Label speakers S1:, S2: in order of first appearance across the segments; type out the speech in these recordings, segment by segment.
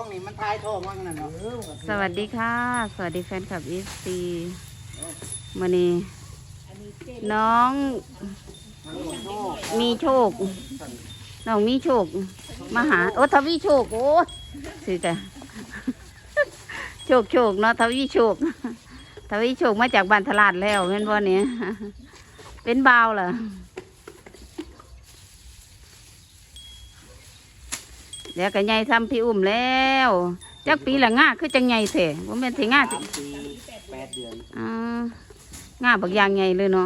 S1: องนี่มันทายท้องว่างั้นเนาะ
S2: สวัสดีค่ะสวัสดีแฟนคลับอีสตีมื้อนี้น้องมีโชคน้องมีโชคมาหาโอ้ทวีโชคโอ้สิแต่โชคเนาะทวีโชคมาจากบ้านตลาดแล้วเห็นบ่เนี่ยเป็นบ่าวเหรอเดี๋ยวก็ใหญ่ซ้ำพี่อุ้มแล้วจักปีละง่าคือจังใหญ่แท้บ่แม่นสิง่าสิ
S1: ปี8 เดือน
S2: ง่าบักอย่างใหญ่เลยเนาะ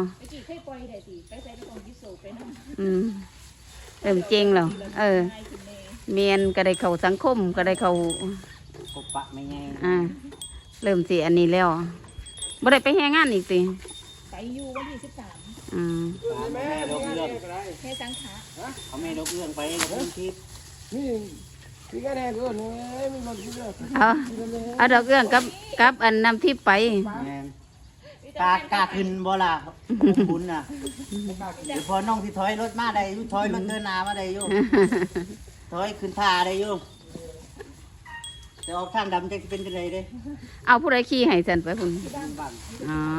S2: เริ่มเจงแล้วเมียนก็ได้เข้าสังคมก็ได้เข้า
S1: พบปะไม่ไง
S2: เริ่มสิอันนี้แล้วบ่ได้ไปแฮงงานอีกสิ
S3: ไปอยู่วันที่13
S1: แม่ดอกเอื้อง
S3: แค่สังขา
S1: เขาแม่ดอกเอื้องไปกับคุณทิพย์
S4: นี่ก็แน่เกินเลยไม่มาคิดเลย
S2: เอาดอกเอื้องกับอันนำทิพย์ไป
S1: กล้าขึ้นบ่ล่ะบุญน่ะเดี๋ยวพอน้องที่ถอยรถมาได้ถอยรถเดินหน้ามาได้อยู่ถอยขึ้นท่าได้อยู่จะออกทางดำจะเป็นจังไดเด้
S2: เอาผู้ใดขี่ให้ซั่นไปพุ่นอ๋อ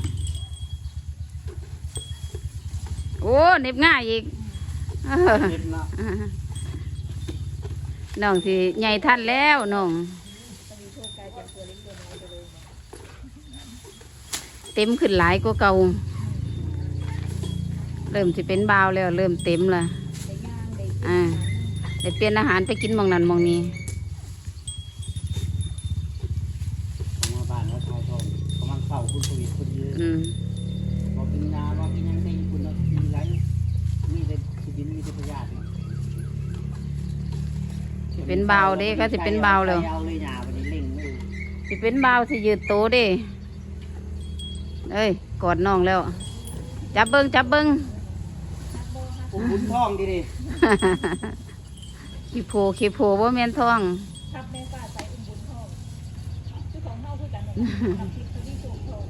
S2: โอ้เน็บง่ายอีก
S1: เน็บเนาะ
S2: น้องสิใหญ่ทันแล้วน้องเต็มขึ้นหลายกว่าเก่าเริ่มสิเป็นบ่าวแล้วเริ่มเต็มละได้เปลี่ยนอาหารไปกินหม่องนั้นหม่องนี้
S1: มาบ้านแล้วทายทองกำลังเข้าคุณสวิตคุณยืนบอกกินยาบอกกินยังได้คุณกินไรมีแต่ชีวิตมีแต่พยาธิ
S2: สิเป็นบ่าวเด้ก็สิเป็นบ่าวแล้วสิเป็นบ่าวสิยืดโตเด้เอ้ยกอดน้องแล้วจับเบิ้ง
S1: บุญท้องดิ
S2: ขี้โผว่าแม่นท้อง
S3: ทับแม่ฟ้าใส่บุญท้องชื่อของเฮาคือกันทำทิพย์ที่สูงทอง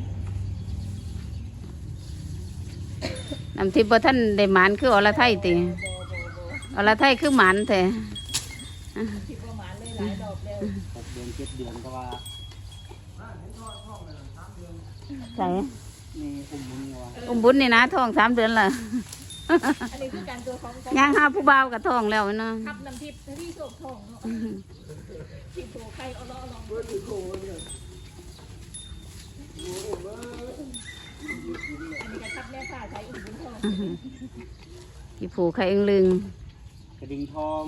S2: น้ำทิพย์บ่ท่านได้หมานคืออรไทยติอรไทยคือหมานแท้
S3: ทิพย์บ่หมานเลยหลายดอกแล้ว
S1: เดือน7 เดือนก็ว่า
S2: ใส่
S1: นี่
S2: บุญนี่นะท้อง3 เดือนละ
S3: อันนี้คือการตัวของ
S2: ย่างหาผู้บ่าวกับท้องแล้วเนาะ
S3: ทับน้ำทิพย์ที่โศกทองเนาะทิพย์โผใครเอาล้อลองอันนี้ก็ทับแม่ฟ้าใส่บุญทอง
S2: ขี้โผใครลึง
S1: กระดิ่งทอง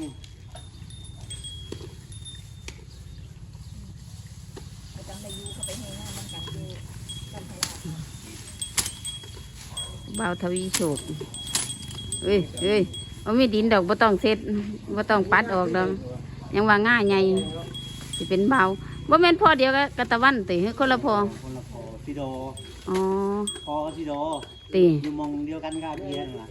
S3: จำได้ยูเขาไปให้หน้ามันกันอยู่กันไทย
S2: บ่าวทวีโชคเอ้ยบ่มีดินดอกบ่ต้องเซ็ดบ่ต้องปัดออกดอกยังว่าง่ายใหญ่สิเป็นบ่าวบ่แม่นพ่อเดียวกับตะวันติคนละพ่อ
S1: สิโด
S2: อ๋อ
S1: พ่อสิโด
S2: ติ
S1: อยู่มองเดียวกันกับเพียนล่ะ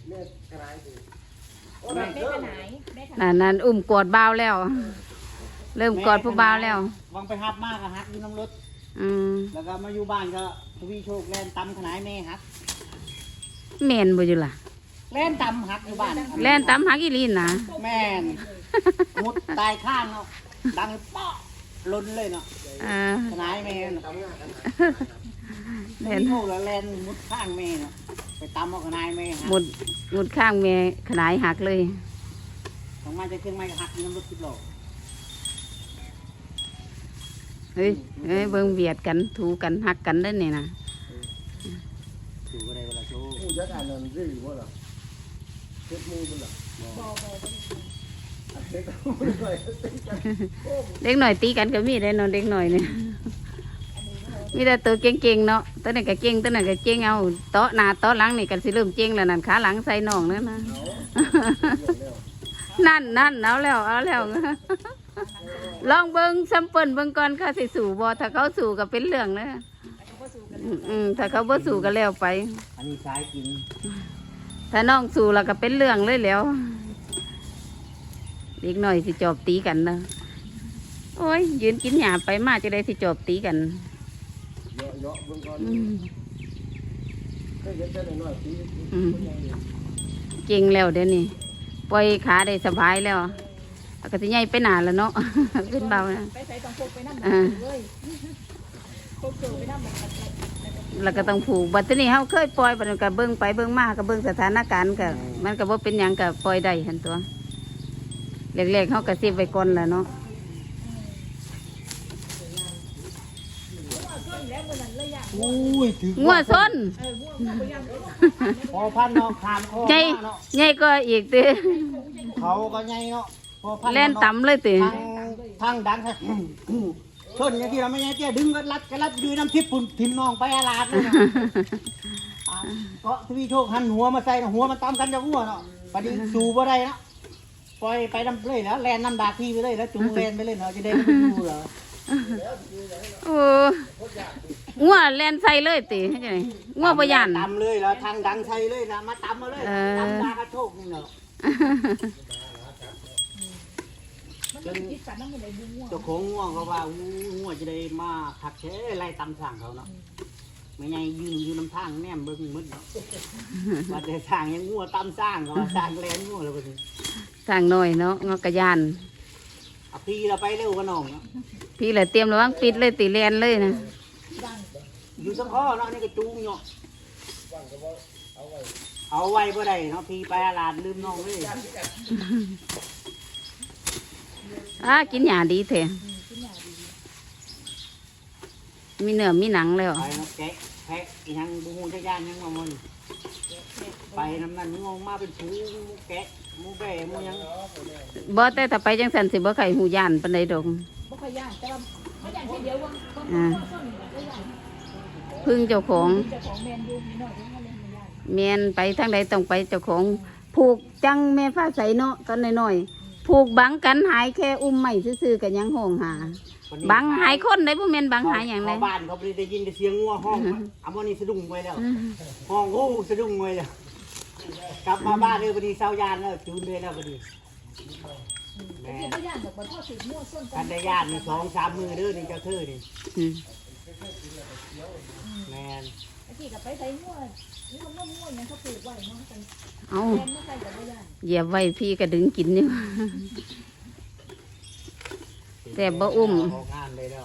S2: นั่นอุ้มกอดบ่าวแล้วเริ่มกอดผู้บ่าวแล้ว
S1: วังไปฮับมากอะฮักอยู่น้ำรถแล้วก็มาอยู่บ้านก็ทวีโชคแล่นตำขนายแม่ฮัก
S2: แม่นบ่อยู่ล่ะ
S1: แล่นตำฮักอยู่บ้าน
S2: แล่นตำฮักอีลีนนะ
S1: แม่นมุดตายข้างเนาะดังเปาะล้นเลยเนาะขนายแม่แล่นโชคแล้วแล่นมุดข้างแม่เนาะไปตำเอาขนายแม่
S2: มุดข้างแม่ขนายหักเลย
S1: ของมาจะเครื่องไม้หักน้ำรถ10 โล
S2: เฮ้ยเบิ่งเบียดกันถูกันหักกันได้เนี่ยนะ
S1: ถูก็ได้เวลาโชว์
S4: ผู้จัดการนั่นสิว่าล่ะเช็ดมือมันล่ะ
S2: เด็กหน่อยตีกันก็มีได้นอนเด็กหน่อยเนี่ยมีแต่ตัวเก่งๆเนาะตัวนั้นก็เก่งตัวนั้นก็เก่งเอาโต๊ะหน้าโต๊ะหลังนี่กันสิเริ่มเก่งแล้วนั่นขาหลังใส่น่องนั่นนะนั่นเอาแล้วลองเบิ้งซัมเปิลเบิ้งก่อนค่ะสิสู่บ่ถ้าเขาสู่ก็เป็นเรื่องนะถ้าเขาบ่สู่ก็แล้วไป
S1: อันนี้สายกิน
S2: ถ้าน้องสู่แล้วก็เป็นเรื่องเลยแล้วเด็กหน่อยสิจอบตีกันนะโอ้ยยืนกินหยาไปมาจะได้สิจอบตีกันเก่งแล้วเดี๋ยวนี้ปล่อยขาได้สบายแล้วก็สิใหญ่ไปหนาแล้วเนาะ เป็นเบานะ
S3: ไปใส่ต้องพกไปนั่ง
S2: อ่า
S3: เลยพกเจอไปนั่งแบบ
S2: แล้วก็ต้องผูกบัดนี้เฮาเคยปล่อยบัดนี้ก็เบิ่งไปเบิ่งมาก็เบิ่งสถานการณ์ก็มันก็บ่เป็นหยังก็ปล่อยได้หั่นตัวแรกๆเฮาก็สิบไว้ก่อนแหละเนาะ
S3: แล้วมันเลยอยาก
S1: อุ้ยถือ
S2: งัวซน
S3: ง่วงไปยัง
S1: พอพันเนาะขามคอ
S2: ใหญ่
S1: เนาะ
S2: ใหญ่ก็อีกติ
S1: เขาก็ใหญ่เนาะพอพัน
S2: แล่นต่ำเลยติ
S1: ทางดังครับชนอย่างที่เราไม่ใช่เตี้ยดึงก็รัดยืนน้ำทิพย์ปุ่นทิมน้องไปอาลาดเลยนะก็ทวีโชคหันหัวมาใส่หัวมันตามกันจะหัวเนาะปฏิสูบ่ได้เนาะปล่อยไปน้ำเลยแล้วแลนน้ำดาพี่ไปเลยแล้วจูงแลนไปเลยเนาะจะได้ไม่ดูเหรอ
S2: โอ้งัวแล่นใส่เลยติเฮ็ดจังได๋งัวบ่ย่าน
S1: ตำเลยแล้วทางดังใส่เลยนะมาตำมาเลยตำดากระโชกนี่เนาะ
S3: มันคิดกันนั่งอยู่ในบุ้งง่วง
S1: เจ้าของง่วงเขาว่าง่วงจะได้มาผักเชไล่ตำสั่งเขาเนาะไม่ไงยืนอยู่น้ำทางแนมเบิ้งมืดเนาะว่าแต่สั่งยังง่วงตำสร้างเขาสั่งแลนง่วงเลยพอดี
S2: สร้างน้อยเนาะงอกกะย่าน
S1: เอาพี่เราไปเร็วกันน้องเนาะ
S2: พี่แหละเตรียมระวังปิดเลยติแล่นเลยนะ
S1: อยู่สังข้อเนาะนี่ก็จูงเนาะเอาไว้บ่ได้เนาะพี่ไปอาลาดลืมน้องเลย
S2: กินหญ้าดีแท้มีเนื้อมีหนังแล้ว
S1: ไปเนาะแกะแพะอีหยังบูฮูจักย่านยังมามันไปน้ำนั้นงงมาเป็นผูแกะหมูแบ่หมูหยัง
S2: บ่แต่ถ้าไปจังซั่นสิบ่ไข่หูย่านปานใดดอก
S3: บ่ขยันแต่ว่าไม่ยันแค่เดียวว่าต้นต้นก็ยัน
S2: พึ่งเจ้าของ
S3: เจ้าของแมนยูนิดหน่อยก็เล่นไม่ยัน
S2: แม่นไปทางใดต้องไปเจ้าของผูกจังแม่ฟ้าใสเนาะตอนน้อยๆผูกบังกันหายแค่อุ้มไม้ซื่อๆก็ยังห้องหาบังหายคนได้บ่แม่นบังหายหยังเลย
S1: บ้านเขาไปได้ยินแต่เสียงงัวห้องอันนี้สะดุ้งไว้แล้ว ห้องโอ้สะดุ้งไว้แล้วกลับมาบ้านเลยพอดีเศร้ายานแล้วจูนเลยแล้วพอดีแม่
S3: ที่ไม่ยันแบบว่าทอดสีมั่วส้น
S1: กันได้ญาติมี2-3 มือเด้อนี่เจ้าเธอนี่
S2: อืม
S1: แม่น
S3: ไอ้ที่กับไปใส่มั่วนี่มันมั่วยังเขาปลูกไว้เนาะกัน
S2: เอา
S3: แมนไม่ใส่กับไม่ยัน
S2: เหยียบไว้พี่ก็ดึงกินอยู่ แต่บ่อุ้ม
S1: ออกงานเลยแล้ว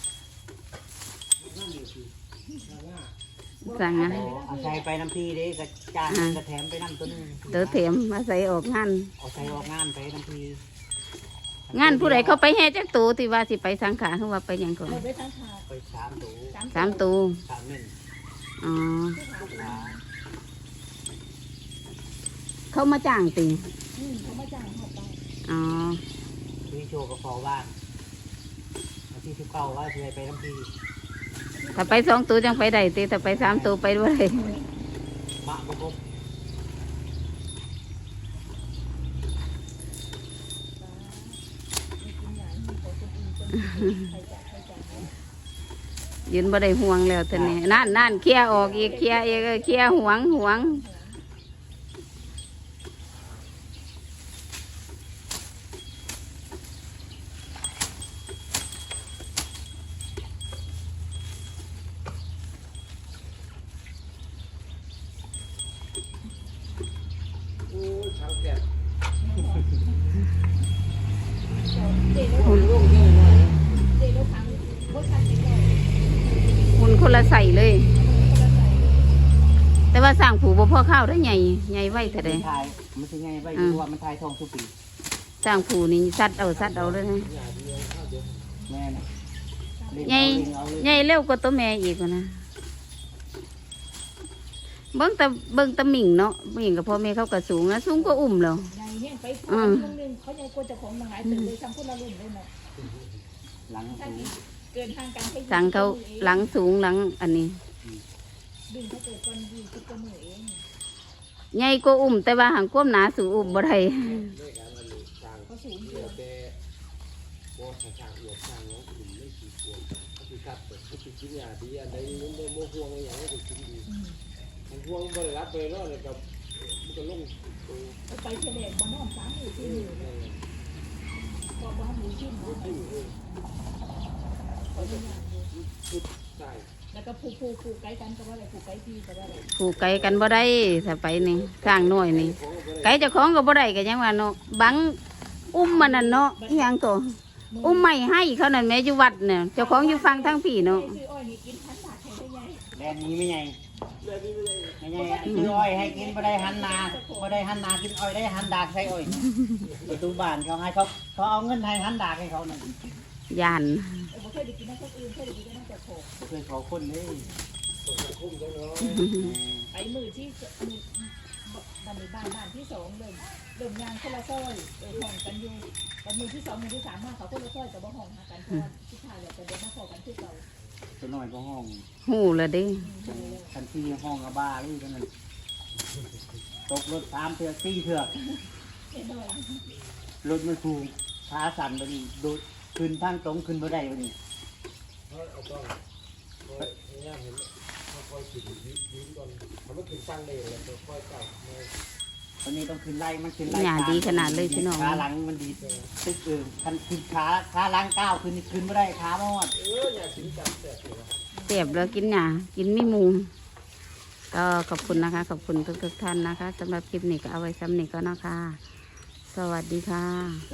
S2: สั่งอ่ะ
S1: เอาใส่ไปน้ำพีเด้กระจานกระแถมไปน้ำตัวนึง
S2: เตอเถมมาใส่ออกงาน
S1: เอาใส่ออกงานไปน้ำพี
S2: งานผู้ใดเขาไปแห่จักตูที่ว่าสิไปสังขารคือว่าไปหยังก่อน
S3: เราไปทั้งขา
S1: ไป3 ตัว
S2: 3ตู
S1: 3 1
S2: อ๋อ
S1: ขา
S2: เขามาจ้างติ
S3: เขามาจ้างเขาไป
S2: อ๋อ
S1: พี่โชว์กับฟอบ้านที่19ว่าจะไปน้ำพี
S2: ถ้าไป2ตูจังไปได้ติถ้าไป3ตูไปบ่ได้
S1: มะบ่ครบ
S2: ยืนบ่ได้ห่วงแล้วตอนนี้นั่นเคลียร์ออกอีกเคลียร์อีกเคลียร์ห่วงหุ่นคนละใส่เลย แต่ว่าสร้างผูบ่พอข้าวได้ใหญ่ไว้เท่าใด
S1: ทายมันสิไงไปเพราะว่ามันทายทองทุกปี
S2: สร้างผูนี่ซัดเอาเลยนะ
S1: แม่นะ
S2: ใหญ่เร็วกว่าตัวแม่อีกนะเบิ่งตะหมิ่งเนาะหมิ่งกับพ่อแม่เขาก็สูงนะสูงก็อุ้มแล้ว
S3: ใหญ่เนี่ยไปคนนึงเขาใหญ่กว่าเจ้าของมาหายตึกเลยทำคนละรุ่นเลยเนาะ
S1: หลังสูง
S3: เกินทางการ
S2: สั่งเขาหลังสูงหลังอันนี้
S3: ดึงเขาเกิดก่อนดีคิดตัวมือเอง
S2: ใหญ่ก็อุ้มแต่ว่าหางความหนาสูงอุ้มบ่ได้
S3: เขาสูงเกิน
S4: แต่บ่ทางอวดทางน้องกลุ่มไม่กี่พวงก็คือกัดก็คือกินยาดีอันใดมันบ่บ่ห่วงอย่างนี้ก็กินดีมันห่วงบ่ได้รับไปเนาะแล้วก็มันก็ลงตัว
S3: ไปเฉลี่ยบ้านนอน3 มือที่มือพอบ้านมือที่มือ
S4: ใช่
S3: แล้วก็ผูกไกลกันก็ว่าอะไรผูกไกลพี่ก็ว่าอะไร
S2: ผูกไกลกันบ่ได้ถ้าไปนี่สร้างน้อยนี่ไกลเจ้าของก็บ่ได้ก็ยังว่าเนาะบังอุ้มมันนั่นเนาะอีหยังตัวอุ้มไม่ให้เขานั่นแม่อยู่วัดเนี่ยเจ้าของอยู่ฟังทั้งพี่เนาะ
S3: ซื้ออ้อยนี่กินพันบาทใครได้ไง
S1: แดนนี้ไม่ไง
S4: เรื่องนี้ไม่ได้
S1: ไม่ไงซื้ออ้อยให้กินบ่ได้หันนาบ่ได้หันนากินอ้อยได้หันดากใส่อ้อยประตูบ้านเขาให้เขาเอาเงินให้หันดากให้เขานั่น
S2: ยาน
S3: บ่เคยได้กินน้ำคนอื่นเคยได้กินน้ำแต่โขก
S1: บ่เคยขอคนเลย
S4: คุ้มจังเนาะ
S3: ไปมือที่บ้านที่สองเริ่มยางคนละซอยห้องกันอยู่แต่มือที่สองมือที่สามมาเขาคนละซอยแต่บ่ห้องหากันเพราะว่าที่ทายเลยแต่เดี๋ยวมาขอกันที่เก่า
S1: ตัวน้อยก็ห้อง
S2: หูละเด้
S1: ทันทีห้องกับบ้าเลยเท่านั้นตกรถ3 เทือก4 เทือก
S3: เอ็นดอย
S1: รถมันถูกขาสั่นไปนี่โดดขึ้นทางตรงขึ้นบ่ได้ไปนี่
S4: เอาต้องเนี่ยเห็นค่อยๆขึ้นยืนก่อนทำให้ขึ้นตั้งได้แล้วค่อยๆเก่า
S1: ตอนนี้ต้องขึ้นไล่มันขึ้นไล่
S2: หยาดีขนาดเลยพี่น้อง
S1: ขาหลังมันดีตึกคันขึ้นขาหลังก้าวขึ้นบ่ได้ขาบ่ฮอด
S4: อย่าถึงจับแสบเลย
S2: เสียบแล้วกินหยากินไม่มุงก็ขอบคุณนะคะ ขอบคุณทุกท่านนะคะสำหรับคลิปนี้ก็เอาไว้ซ้ำนี้ก็นะคะ สวัสดีค่ะ